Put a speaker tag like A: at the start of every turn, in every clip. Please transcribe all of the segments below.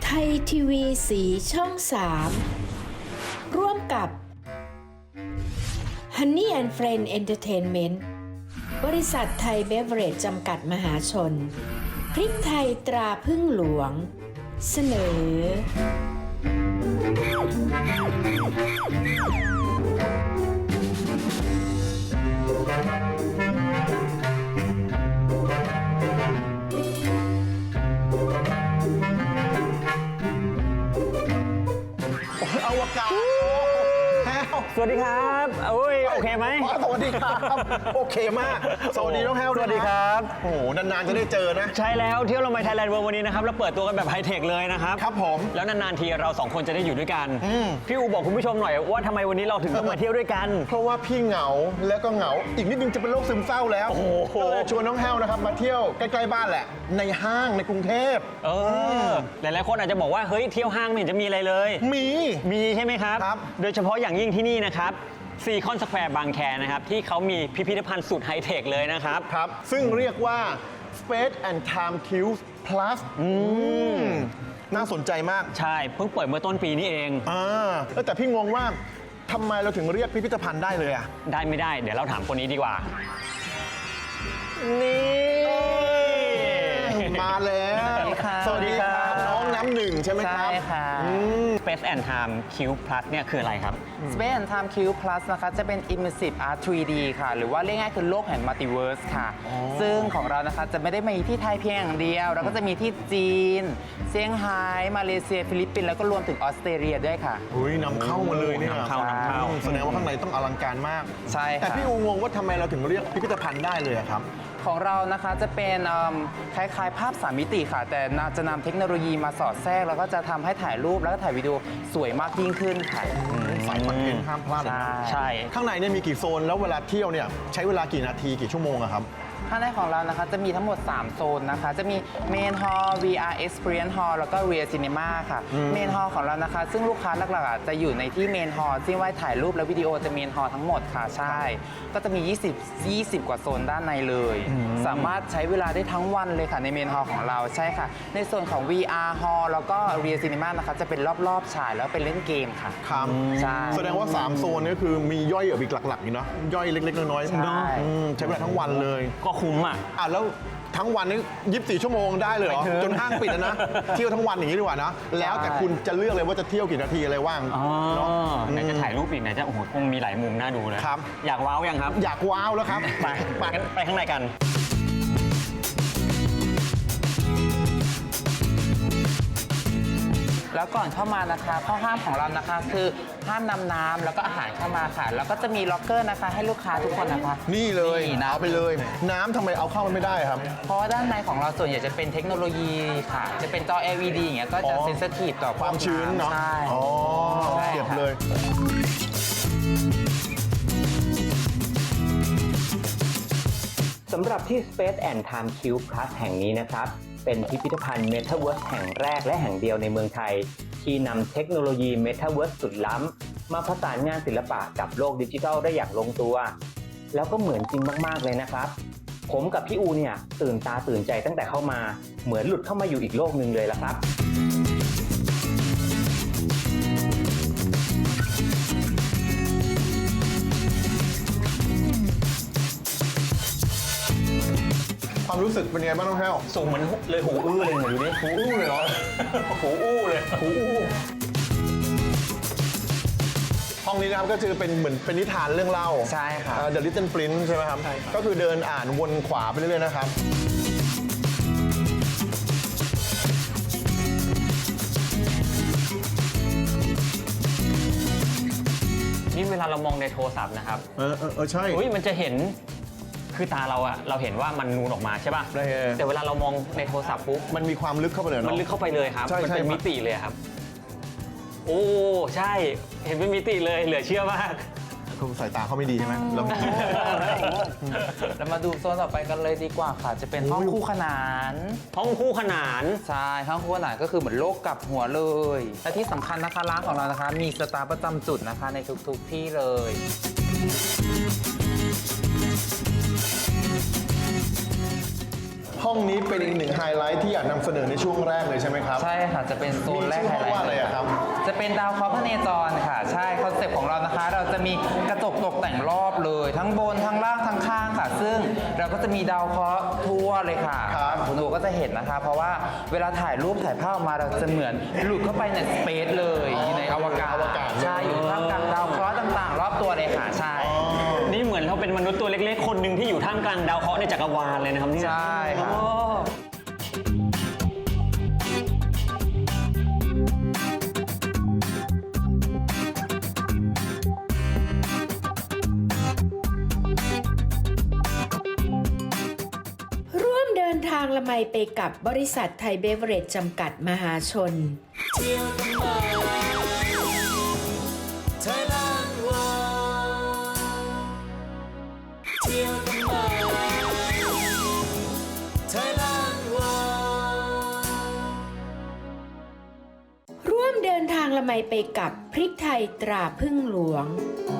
A: ไทยทีวีสีช่อง3ร่วมกับ Honey and Friend Entertainment บริษัทไทยเบเวอเรจจำกัดมหาชนพริกไทยตราพึ่งหลวงเสนอ
B: อวกาศ
C: สวัสดีครับโอเคไหม
B: สวัสดีครับโอเคมากสวัสดีน้องแฮว
C: สวัสดีครับ
B: โอ้โหนานๆจะได้เจอนะ
C: ใช่แล้วเที่ยวลงไปไทยแลนด์เวิลด์วันนี้นะครับเราเปิดตัวกันแบบไฮเทคเลยนะครับ
B: ครับผม
C: แล้วนานๆทีเราสองคนจะได้อยู่ด้วยกันพี่อูบอกคุณผู้ชมหน่อยว่าทำไมวันนี้เราถึงต้องมาเที่ยวด้วยกัน
B: เพราะว่าพี่เหงาแล้วก็เหงาอีกนิดนึงจะเป็นโรคซึมเศร้าแล้วก็เลยชวนน้องแฮวนะครับมาเที่ยวใกล้ๆบ้านแหละในห้างในกรุงเทพ
C: หลายๆคนอาจจะบอกว่าเฮ้ยเที่ยวห้างไม่เห็นจะมีอะไรเลยมีใช่ไหมครับโดยเฉพาะอย่างยิ่งที่นี่นะครับซีคอนสแควร์บางแคนะครับที่เขามีพิพิธภัณฑ์สุดไฮเทคเลยนะครับ
B: ซึ่งเรียกว่า Space and Time Cube Plus น่าสนใจมาก
C: ใช่เพิ่งเปิดเมื่อต้นปีนี้เอง
B: แต่พี่งงว่าทำไมเราถึงเรียกพิพิธภัณฑ์ได้เลยอ่ะ
C: ได้ไม่ได้เดี๋ยวเราถามคนนี้ดีกว่านี่
B: มาแล้วสวัสดีครับน้องน้ำหนึ่งใช่ไหมครับ
D: ใช่ค่ะ
C: Space and Time Cube Plus เนี่ยคืออะไรครับ
D: Space and Time Cube Plus นะคะจะเป็น Immersive Art 3D ค่ะหรือว่าเรียกง่ายคือโลกแห่ง Multiverse ค่ะซึ่งของเรานะคะจะไม่ได้มีที่ไทยเพียงอย่างเดียวเราก็จะมีที่จีนเซี่ยงไฮ้มาเลเซียฟิลิปปินส์แล้วก็รวมถึงออสเตรเลียด้วยค่ะ
B: นำเข้ามาเลยเนี่ย
C: นำเข้า
B: แสดงว่าข้างในต้องอลังการมาก
D: ใช่ค่ะ
B: แต่พี่อูงงว่าทำไมเราถึงเรียกพิพิธภัณฑ์ได้เลยครับ
D: ของเรานะคะจะเป็นคล้ายๆภาพ3มิติค่ะแต่จะนำเทคโนโลยีมาสอดแทรกแล้วก็จะทำให้ถ่ายรูปแล้วก็ถ่ายวิดีโอสวยมากยิ่งขึ้นค่ะ
B: สายคอนเทนต์ห้ามพลาดเลย
C: ใช่
B: ข้างในเนี่ยมีกี่โซนแล้วเวลาเที่ยวเนี่ยใช้เวลากี่นาทีกี่ชั่วโมงครับ
D: ข้างในของเรานะคะจะมีทั้งหมด3โซนนะคะจะมี Main Hall VR Experience Hall แล้วก็ Real Cinema ค่ะ Main Hall ของเรานะคะซึ่งลูกค้าหลักๆจะอยู่ในที่ Main Hall ที่ไว้ถ่ายรูปและวิดีโอจะ Main Hall ทั้งหมดค่ะใช่ก็จะมี20กว่าโซนด้านในเลยสามารถใช้เวลาได้ทั้งวันเลยค่ะใน Main Hall ของเราใช่ค่ะในส่วนของ VR Hall แล้วก็ Real Cinema นะคะจะเป็นรอบๆฉายแล้วเป็นเล่นเกมค่ะ
B: ครับ
D: ใช่
B: แสดงว่า3โซนนี้คือมีย่อยอีกหลักๆอยู่เนาะย่อยเล็กๆน้อยๆใช้เวลาทั้งวันเลย
C: ก็คุ้ม
B: แล้วทั้งวันนี้24ชั่วโมงได้เลยเหรอจนห้างปิดนะเที่ยวทั้งวันอย่างนี้ดีกว่านะแล้วแต่คุณจะเลือกเลยว่าจะเที่ยวกี่นาทีอะไรว่าง
C: ไหนจะถ่ายรูปอีกไหนจะโอ้โหคงมีหลายมุมน่าดูเลย
B: ครับ
C: อยากว้าวยังครับ
B: อยากว้าวแล้วครับ
C: ไปข้างในกัน
D: แล้วก่อนเข้ามานะคะข้อห้ามของเรานะคะคือห้ามนำน้ำแล้วก็อาหารเข้ามาค่ะแล้วก็จะมีล็อกเกอร์นะคะให้ลูกค้าทุกคนนะคะ
B: นี่เลยเอาไปเลยน้ำทำไมเอาเข้ามันไม่ได้ครับ
D: เพราะว่าด้านในของเราส่วนใหญ่จะเป็นเทคโนโลยีค่ะจะเป็นจอ LED อย่างเงี้ยก็จะเซนซิทีฟต่อ
B: ความชื้นเนาะ
D: ใช่
B: เก็บเลย
C: สำหรับที่ Space and Time Cube Plus แห่งนี้นะครับเป็นพิพิธภัณฑ์ Metaverse แห่งแรกและแห่งเดียวในเมืองไทยที่นำเทคโนโลยี Metaverse สุดล้ำมาผสานงานศิลปะกับโลกดิจิทัลได้อย่างลงตัวแล้วก็เหมือนจริงมากๆเลยนะครับผมกับพี่อูเนี่ยตื่นตาตื่นใจตั้งแต่เข้ามาเหมือนหลุดเข้ามาอยู่อีกโลกหนึ่งเลยละครับ
B: ความรู้สึกเป็นไงบ้างน้องแห้ว
C: สูงเหมือนเลยหูอื้อเลยเหมือนดูดิ
B: หูอื้อเลยเหรอ
C: หูอื้อเลย
B: หูอื้อห้องนี้นะครับก็คือเป็นเหมือนเป็นนิทานเรื่องเล่า
D: ใช่ครับ
B: The Little Prince ใช่ไหมครับก็คือเดินอ่านวนขวาไปเรื่อยๆนะครับ
C: นี่เวลาเรามองในโทรศัพท์นะครับ
B: ใช่
C: มันจะเห็นคือตาเราเห็นว่ามันนูนออกมาใช่ป่ะแต่เวลาเรามองในโทรศัพท์ปุ๊บ
B: มันมีความลึกเข้าไปเลยเนาะ
C: มันลึกเข้าไปเลยครับมันเป็นมิติเลยครับโอ้ใช่เห็นเป็นมิติเลยเหลือเชื่อมาก
B: คุณสายตาเขาไม่ดีใช่ไหม
D: เรามาดูโซนต่อไปกันเลยดีกว่าค่ะจะเป็นห้องคู่ขนาน
C: ห้องคู่ขนาน
D: ใช่ห้องคู่ขนานก็คือเหมือนโลกกับหัวเลยและที่สำคัญนะคะร้านของเรานะคะมีสตาร์ประจำจุดนะคะในทุกๆที่เลย
B: ห้ององนี้เป็นอีกหนึ่งไฮไลท์ที่อยากนำเสนอในช่วงแรกเลยใช่ไหมครับ
D: ใช่ค่ะจะเป็นโซนแรก
B: มีชื่อห้องว่าอะไรอะครับ
D: จะเป็นดาวเคราะห์พเนจรค่ะใช่คอนเซ็ปต์ของเรานะคะ เราจะมีกระจกตกแต่งรอบเลย ทั้งบนทั้งล่างทั้งข้างค่ะ ซึ่งเราก็จะมีดาวเคราะห์ทั่วเลยค่ะ
B: ครับ
D: คุณดูก็จะเห็นนะคะ เพราะว่าเวลาถ่ายรูปถ่ายภาพออกมาเราจะเหมือนหลุดเข้าไปในสเปซเลยอยู่ในอวกาศ
B: อวกาศเลย
D: ใช่อยู่ท่ามกลางดาวเคราะห์ต่างๆ รอบตัวเลยค่ะใช่
E: นี่เหมือนเราเป็นมนุษย์ตัวเล็กๆ คนหนึ่งที่อยู่ท่ามกลางดาวเคราะห์ในจักรวาลเลยนะครับเนี่ย
D: ใช่ค่ะ
E: โอ้
A: ร่วมเดินทางละไมไปกับบริษัทไทยเบเวอเรจจำกัดมหาชน ร่วมเดินทางละไมไปกับพริกไทยตราพึ่งหลวง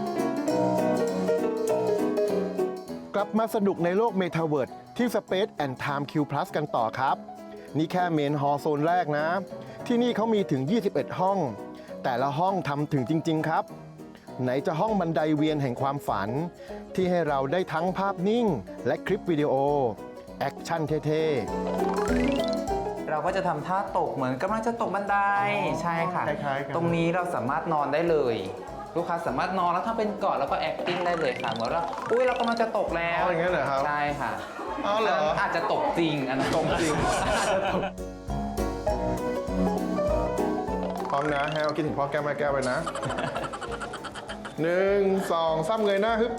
B: กลับมาสนุกในโลกเมตาเวิร์ดที่ Space and Time Q Plus กันต่อครับ นี่แค่เมนฮอลล์โซนแรกนะ ที่นี่เขามีถึง 21 ห้อง แต่ละห้องทำถึงจริง ๆ ครับ ไหนจะห้องบันไดเวียนแห่งความฝัน ที่ให้เราได้ทั้งภาพนิ่ง และคลิปวิดีโอ แอคชั่นเท่
D: เราก็จะทำท่าตกเหมือนกำลังจะตกบันไดใช่ค่ะ
B: คล้ายๆกัน
D: ตรงนี้เราสามารถนอนได้เลย ลูกค้าสามารถนอนแล้วถ้าเป็นเกาะแล้วก็ acting ได้เลยค่ะเหมือนว่าอุ้ยเรากำลังจะตกแล้ว
B: อ๋ออย่างนั้นเหรอครับ
D: ใช่ค่ะ
B: อ๋อเหรอ
D: นนั้นอาจจะตกจริงอันนั้นตกจริง อาจจะตก
B: ๆ พร้อมนะให้เอาคิดถึงพ่อแก้วแม่แก้วไปนะ 1 2 3เงยหน้าฮึบ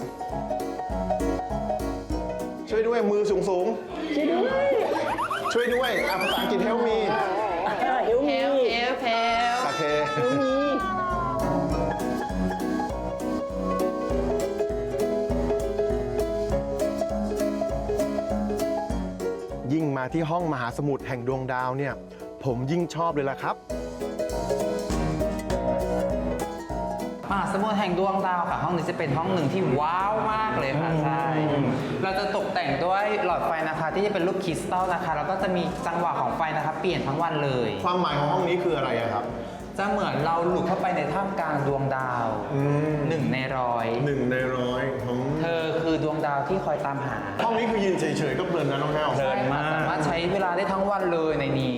B: ช่วยด้วยมือสูงๆ ช่วยด้วยอ่ะภาษาอังกฤษ help me
D: เฮลเฮล
B: โอเค ยิ่งมาที่ห้องมหาสมุทรแห่งดวงดาวเนี่ย ผมยิ่งชอบเลยล่ะครับ
D: มหาสมุทรแห่งดวงดาวค่ะ ห้องนี้จะเป็นห้องหนึ่งที่ว้าวมากเลยค่ะใช่เราจะตกแต่งด้วยหลอดไฟนะคะ ที่จะเป็นรูปคริสตัลนะคะแล้วก็จะมีจังหวะของไฟนะคะเปลี่ยนทั้งวันเลย
B: ความหมายของห้องนี้คืออะไรอะครับ
D: จะเหมือนเราหลุดเข้าไปในท่ามกลางดวงดาวหนึ่งในร้อย
B: 1 ใน 100
D: เธอคือดวงดาวที่คอยตามหา
B: ห้องนี้คือยืนเฉยๆก็เพลินนะน้องแห้ว
E: เพลินมาก
D: สามารถใช้เวลาได้ทั้งวันเลยในนี้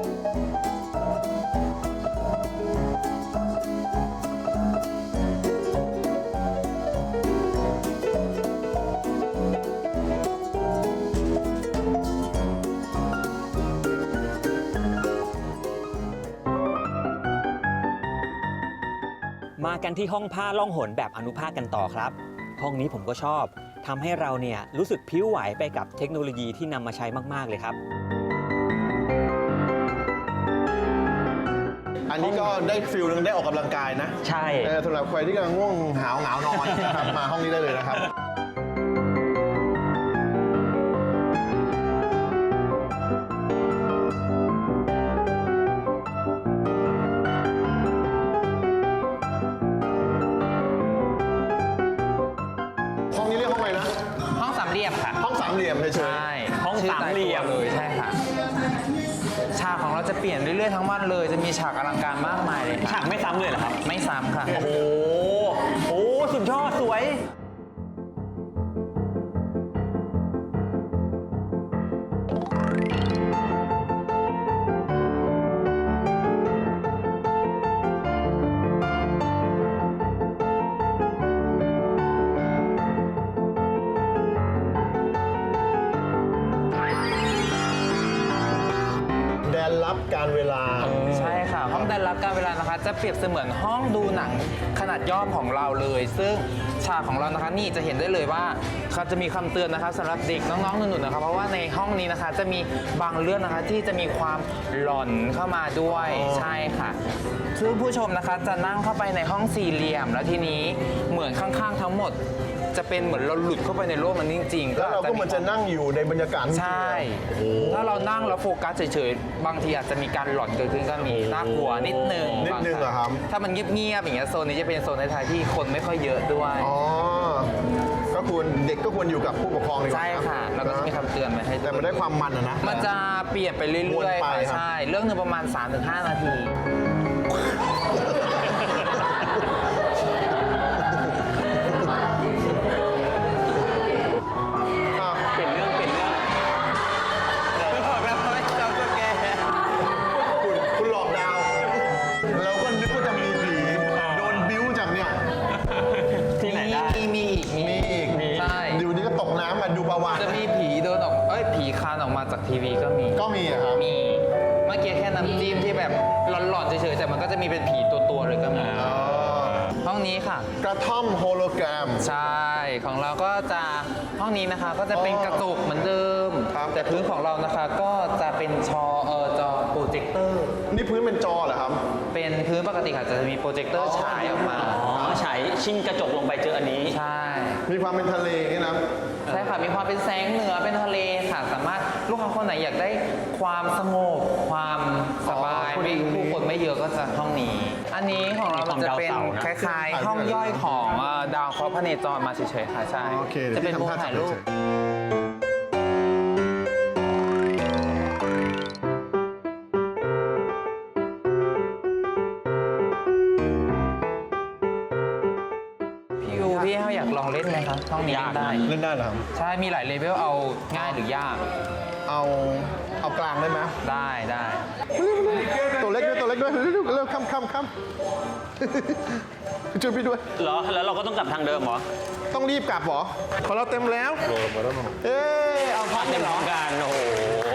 E: มากันที่ห้องผ้าล่องหนแบบอนุภาคกันต่อครับ ห้องนี้ผมก็ชอบทำให้เราเนี่ยรู้สึกพิ้วไหวไปกับเทคโนโลยีที่นำมาใช้มากๆเลยครับ
B: อันนี้ก็ได้ฟิลนึงได้ออกกำลังกายนะ
E: ใช่
B: สำหรับใครที่กำลังง่วงหาวนอนนะครับ มาห้องนี้ได้เลยนะครับ ห้องนี้เรียกห้องอะไรนะ
D: ห้องสามเหลี่ยมค่ะ
B: ห้องสามเหลี่ยมเฉย
D: ใช่
E: ห้อง
D: ชื่
E: สามเหลี่ยม
D: ตตัวเลยใช่ค่ะ ฉากของเราจะเปลี่ยนเรื่อยๆทั้งวันเลย จะมีฉากอลังการมากมายเลยค่ะ
E: ฉากไม่ซ้ำเลยเหรอครับ
D: ไม่ซ้ำค่ะ
E: โอ้โหโอ้สุดยอดสวย
B: ๆแดนลับการเวลา
D: ใช่ค่ะ ห้องแดนรับการเวลานะคะ จะเปรียบเสมือนห้องดูหนังขนาดย่อมของเราเลย ซึ่งฉากของเรานะคะนี่จะเห็นได้เลยว่าเขาจะมีคำเตือนนะคะสำหรับเด็กน้องๆหนุ่นๆนะคะเพราะว่าในห้องนี้นะคะจะมีบางเรื่องนะคะที่จะมีความหลอนเข้ามาด้วย
B: อ๋อ
D: ใช่ค่ะซึ่งผู้ชมนะคะจะนั่งเข้าไปในห้องสี่เหลี่ยม แล้วทีนี้เหมือนข้างๆทั้งหมด จะเป็นเหมือนเราหลุดเข้าไปในโลกมันจริงๆ
B: แล้วเราก็เหมือนจะนั่งอยู่ในบรรยากาศ
D: ใช่ ถ้าเรานั่งแล้วโฟกัสเฉยๆ บางทีอาจจะมีการหลอนเกิดขึ้นก็มีน่ากลัวนิดนึง
B: นิดนึงเหรอครับ
D: ถ้ามันเงียบๆอย่างเงี้ยโซนนี้จะเป็นโซนในไทยที่คนไม่ค่อยเยอะด้วย
B: อ๋อก็ควรเด็กก็ควรอยู่กับผู้ปกครองดีกว่า
D: ใช่ค่ะ แล้วก็จะมีคำเตือนไว้ให้
B: แต่มันได้ความมันนะ
D: มันจะเปลี่ยนไปเรื่
B: วน
D: อย
B: ไป
D: ๆ
B: ครับ
D: ค่ะใช่ เรื่องหนึงประมาณ 3-5 นาที
B: อ่ะ
E: เปลี่ยนเรื่อง
D: บอกแล้วไม่จำตัวแก
B: คุณหลอกดาวเราก็นึกว่าจะมีผีโดนบิ้วจากเนี่ย
E: ที่ไหนได้
D: มีอีก
B: มีอีก
D: ใช่
B: อยู่นี่ก็ตกน้ำมาดูประวัติ
D: จะมีผีเดินออกผีคลานออกมาจากทีวีก็มี
B: ก็มีอะครับ
D: มี เมื่อกี้แค่น้ำจิ้มที่แบบหลอนๆเฉยๆ แต่มันก็จะมีเป็นผีตัวๆเลยก็มี
B: อ๋อ
D: ห้องนี้ค่ะ
B: กระท่อมโฮโลแกรม
D: ใช่ ของเราก็จะห้องนี้นะคะก็จะเป็นกระจกเหมือนเดิม
B: ครับ
D: แต่พื้นของเรานะคะก็จะเป็นจอโปรเจคเตอร์
B: นี่พื้นเป็นจอเหรอครับ
D: เป็นพื้นปกติค่ะจะมีโปรเจคเตอร์ฉายออกมา
E: อ๋อฉายชิงกระจกลงไปเจออันนี้
D: ใช่
B: มีความเป็นทะเลนี่นะ
D: ใช่ค่ะ มีความเป็นแสงเหนือเป็นทะเลค่ะ สามารถลูกค้าคนไหนอยากได้ความสงบ ความสบาย
B: อ๋อ
D: ไม่ผู้คนไม่เยอะก็จะห้องนี้ อันนี้ของเรามันจะเป็นคล้ายๆ ห้องย่อยของดาวเคราะห์พระเนจรมาเฉยๆค่ะ ใช่
B: โอเค
D: จะเป็นมุมถ่ายรูป พี่ยูพี่เขาอยากลองเล่นไหมคะห้องนี้
E: ยากนะ
D: ได้
B: เล่นได้เหรอครับ
D: ใช่ มีหลายเลเวลเอาง่ายหรือยาก
B: เอากลางได้ไหม
D: ได้ได้
B: ตัวเล็กด้วยเร็วค่ำช่วยพี่ด้วย
E: เหรอ แล้วเราก็ต้องกลับทางเดิมเหรอ
B: ต้องรีบกลับเหรอของเราเต็มแล้วเอ๊เอาพัก
E: เต็
B: เลย
E: ม
B: เหร
E: พร้
B: อ
E: อมกันโอ้โห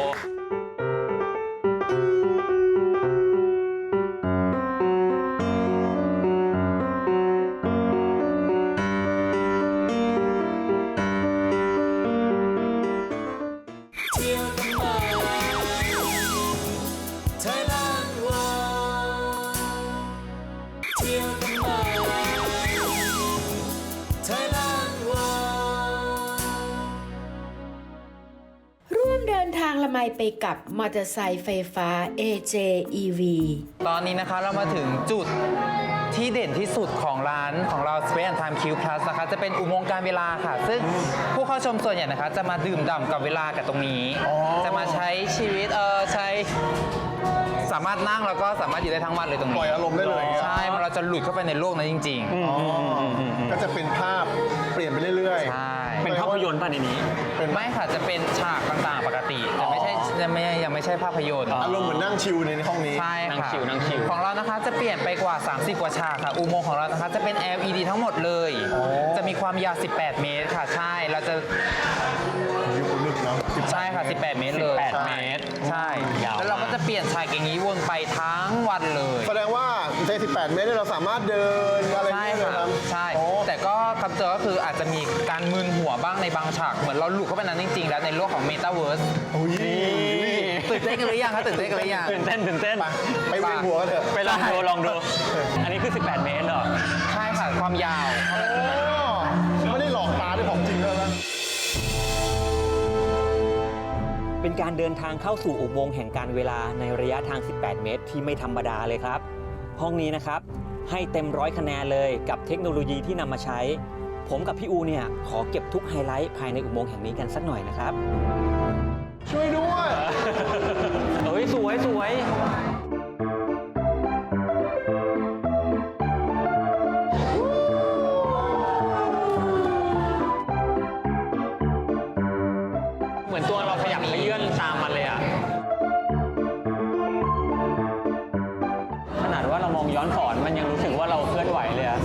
A: ร่วมเดินทางละไมไปกับมอเตอร์ไซค์ไฟฟ้า AJEV
D: ตอนนี้นะคะเรามาถึงจุดที่เด่นที่สุดของร้านของเรา Space and Time Q Plus นะคะจะเป็นอุโมงค์การเวลาค่ะ ซึ่งผู้เข้าชมส่วนใหญ่นะคะจะมาดื่มด่ำกับเวลากับตรงนี้ จะมาใช้ชีวิตสามารถนั่งแล้วก็สามารถอยู่ได้ทั้งวันเลยตรงนี้
B: ปล่อยอารมณ์ได้เลย
D: ใช่เราจะหลุดเข้าไปในโลกนั้นจริง
B: ก็จะเป็นภาพเปลี่ยนไปเรื่อย
D: ๆ ใช่
E: เป็นภาพยนตร์ป่ะในนี้
D: ไม่ค่ะจะเป็นฉากต่างๆปกติแต่ไม่ใช่ยังไม่ใช่ภาพยนตร์
B: อารมณ์เหมือนนั่งชิลในห้องนี้
D: ใช่
E: นั่ง
D: ค่ะ
E: ชิวนั่งชิว
D: ของเรานะคะจะเปลี่ยนไปกว่า 30 กว่าฉากค่ะ อุโมงค์ของเรานะคะจะเป็น LED ทั้งหมดเลย จะมีความยาว 18 เมตรค่ะ ใช่ เราจะ
B: ยุคนึกเนาะ
D: ใช่ค่ะ 18 เมตรเลย
E: 18เมตร
D: ใช่
E: ยาวมาก
D: แล้วเราก็จะเปลี่ยนฉากอย่างนี้วนไปทั้งวันเลย
B: แสดงว่าใน18 เมตรเนี่ยเราสามารถเดินอะไร
D: ใช่
B: ได้เลย
D: ค่ะ
B: ครับ
D: ใช่
B: โอ้
D: แต่ก็คำเตือนก็คืออาจจะมีการมึนหัวบ้างในบางฉาก เหมือนเราหลุดเข้าไปนั้นจริงๆ แล้วในโลกของ Metaverse
B: อุ๊ย
D: ตื่นเต้นกันหรือยังคะตื่นเต้นกันหรือยัง
E: ตื่นเต้น
B: ไปเวียนหัวกันเถอะ
E: ไปลองดู อันนี้คือ 18 เมตรเหรอ
D: ใช่ค่ะ ความยาวเท่านั้น
B: ไม่ได้หลอกตาด้วยของจริงแล้วนะ
E: เป็นการเดินทางเข้าสู่อุโมงค์แห่งการเวลาในระยะทาง 18 เมตรที่ไม่ธรรมดาเลยครับ ห้องนี้นะครับ ให้เต็ม100 คะแนนเลยกับเทคโนโลยีที่นำมาใช้ ผมกับพี่อูเนี่ยขอเก็บทุกไฮไลท์ภายในอุโมงค์แห่งนี้กันสักหน่อยนะครับ
B: ช่วยด้วย
E: เอ้ยสวย เหมือนตัวเราขยับขยื่นตามมันเลยอะขนาดว่าเรามองย้อนสอนมันยังรู้สึกว่าเราเคลื่อนไหวเลยอะ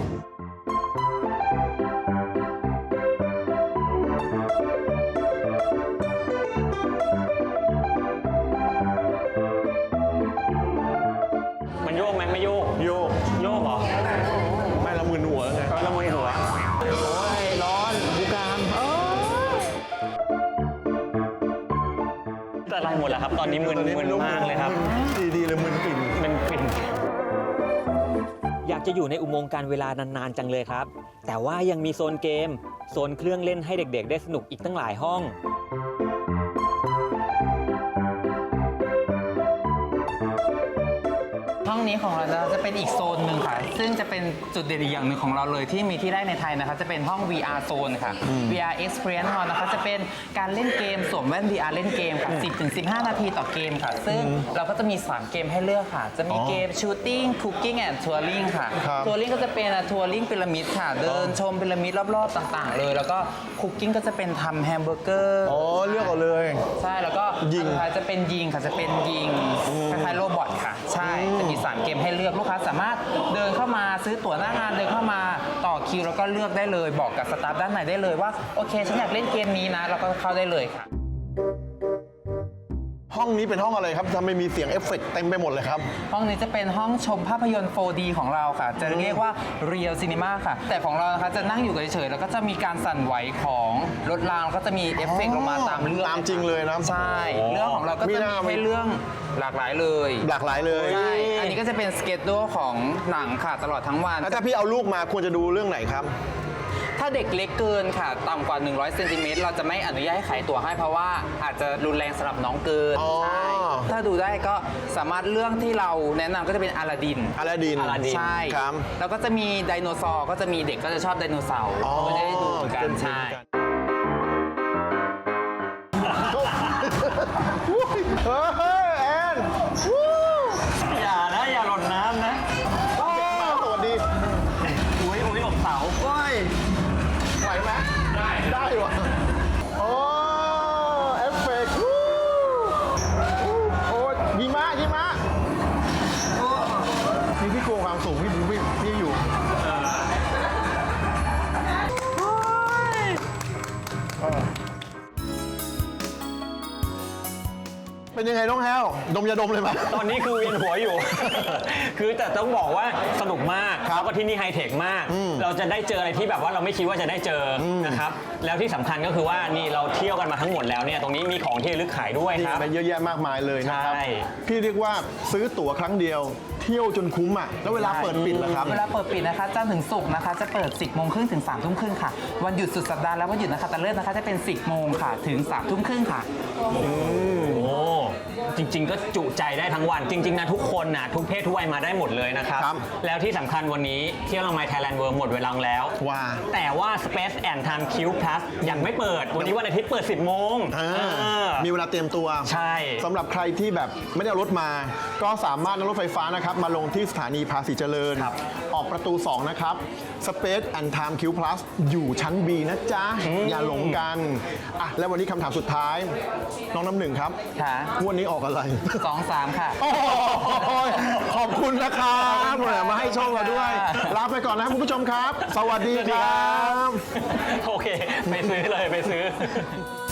E: มันโยกไหมไม่โยก
B: โยก
E: โยกเหรอ
B: ไม่ละมึนหัวไง
E: ละมุนหัว
B: โอ้ยร้อนบุกาม
E: แต่อะไรหมดแล้วครับ ตอนนี้มึนมากเลยครับ
B: ดีเลยมึนปิ่น
E: เป็นฟินอยากจะอยู่ในอุโมงค์การเวลานานๆจังเลยครับ แต่ว่ายังมีโซนเกม โซนเครื่องเล่นให้เด็กๆ ได้สนุกอีกตั้งหลายห้อง
D: ห้องนี้ของเราจะเป็นอีกโซนหนึ่งค่ะ ซึ่งจะเป็นจุดเด่นอีกอย่างหนึ่งของเราเลยที่มีที่แรกในไทยนะคะ จะเป็นห้อง VR Zone ค่ะ VR Experience Hall นะคะ จะเป็นการเล่นเกมสวมแว่น VR เล่นเกมค่ะ 10-15 นาทีต่อเกมค่ะ ซึ่งเราก็จะมี 3 เกมให้เลือกค่ะ จะมีเกม Shooting Cooking and Touring ค่ะ
B: ครับ
D: Touring ก็จะเป็นทัวริงพีระมิดค่ะ เดินชมพีระมิดรอบๆต่างๆ เลย แล้วก็ Cooking ก็จะเป็นทำแฮมเบอร์เกอร์
B: อ๋อเลือกเอาเลย
D: ใช่ แล้วก็
B: ยิง
D: สุดท้ายจะเป็นยิงค่ะ จะเป็นยิงคล้ายๆโรบอทค่ะ ใช่ จะมี 3 เกมให้เลือกลูกค้าสามารถเดินเข้ามาซื้อตั๋วหน้างานเดินเข้ามาต่อคิวแล้วก็เลือกได้เลย บอกกับสตาฟด้านในได้เลยว่าโอเคฉันอยากเล่นเกมนี้นะแล้วก็เข้าได้เลยค่ะ
B: ห้องนี้เป็นห้องอะไรครับทำไมมีเสียงเอฟเฟกต์เต็มไปหมดเลยครับ
D: ห้องนี้จะเป็นห้องชมภาพยนตร์ 4D ของเราค่ะ จะเรียกว่า Real Cinema ค่ะ แต่ของเรานะคะจะนั่งอยู่เฉยๆแล้วก็จะมีการสั่นไหวของรถรางแล้วก็จะมีเอฟเฟกต์ลงมาตามเรื่อง
B: ตามจริงเลยนะ
D: ใช่เรื่องของเราก็จะมีให้เรื่องหลากหลายเลย
B: หลากหลายเลย
D: ใช่อันนี้ก็จะเป็นสเกจดูของหนังค่ะตลอดทั้งวัน
B: แล้วถ้าพี่เอาลูกมาควรจะดูเรื่องไหนครับ
D: ถ้าเด็กเล็กเกินค่ะต่ำกว่า100เซนติเมตรเราจะไม่อนุญาตให้ขายตั๋วให้เพราะว่าอาจจะรุนแรงสำหรับน้องเกิน
B: อ๋อ
D: ใช่ถ้าดูได้ก็สามารถเรื่องที่เราแนะนำก็จะเป็นอลาดิน
B: อลาดิน
D: ใช่
B: ครับ
D: แล้วก็จะมีไดโนเสาร์ก็จะมีเด็กก็จะชอบไดโนเสาร์
B: อ๋อ
D: ก็จะได้ดูเหมือนกันใช่
B: เฮ้ยแอนวู้
E: อย่านะ อย่าหล่นน้ำนะ
B: มาสวัสดี
E: อุ้ยอกเสา
B: เฮ้ยไหวไหมได้วะโอ้เอฟเฟกต์วู้โอ้ยิมะพี่กลัวความสูงพี่อยู่เป็นยังไงน้องแฮวดมยาดมเลยไหม
E: ตอนนี้คือเวียนหัวอยู่ คือแต่ต้องบอกว่าสนุกมาก
B: ครับ
E: แล้วก็ที่นี่ไฮเทคมาก เราจะได้เจออะไรที่แบบว่าเราไม่คิดว่าจะได้เจออนะครับ แล้วที่สำคัญก็คือว่านี่เราเที่ยวกันมาทั้งหมดแล้วเนี่ย ตรงนี้มีของที่ระลึกขายด้วย
B: นี่
E: ครับ
B: ไปเยอะแยะมากมายเลยนะครับ
E: ใช่
B: พี่เรียกว่าซื้อตั๋วครั้งเดียว เที่ยวจนคุ้มอ่ะ แล้วเวลาเปิดปิดล่ะครับ
D: เวลาเปิดปิดนะคะจันทร์ถึงศุกร์นะคะจะเปิด 10 โมงครึ่งถึง 3 ทุ่มครึ่งค่ะ วันหยุดสุดสัปดาห์และวันหยุดนะคะตะเลิศนะคะจะเป็น 10 โมงค่ะถึง 3 ทุ่มครึ่งค่ะ
E: โอ้จริง ๆ ก็จุใจได้ทั้งวัน จริง ๆ นะทุกคนนะทุกเพศทุกวัยมาได้หมดเลยนะครับ
B: ครับ
E: แล้วที่สำคัญวันนี้เที่ยวละไม Thailand World หมดเวลาแล้ว
B: ว่า
E: แต่ว่า Space and Time Q Plus ยังไม่เปิด วันนี้วันอาทิตย์เปิด 10 โมง
B: มีเวลาเตรียมตัว
E: ใช่
B: สำหรับใครที่แบบไม่ได้เอารถมา ก็สามารถนั่งรถไฟฟ้านะครับ มาลงที่สถานีภาษีเจริญ
E: ครับ
B: ออกประตู 2 นะครับ Space and Time Q Plus อยู่ชั้น B นะจ๊ะ อย่าหลงกันอ่ะแล้ววันนี้คำถามสุดท้าย น้องน้ำหนึ่งครับ
D: ค่ะ
B: งวันนี้ออกอะไร
D: 2-3 ค่ะ
B: โอ้ยขอบคุณนะครับมาให้ช่องเราด้วย ลาไปก่อนนะครับคุณผู้ชมครับ สวัสดีครับ
E: โอเค ไปซื้อเลยไปซื้อ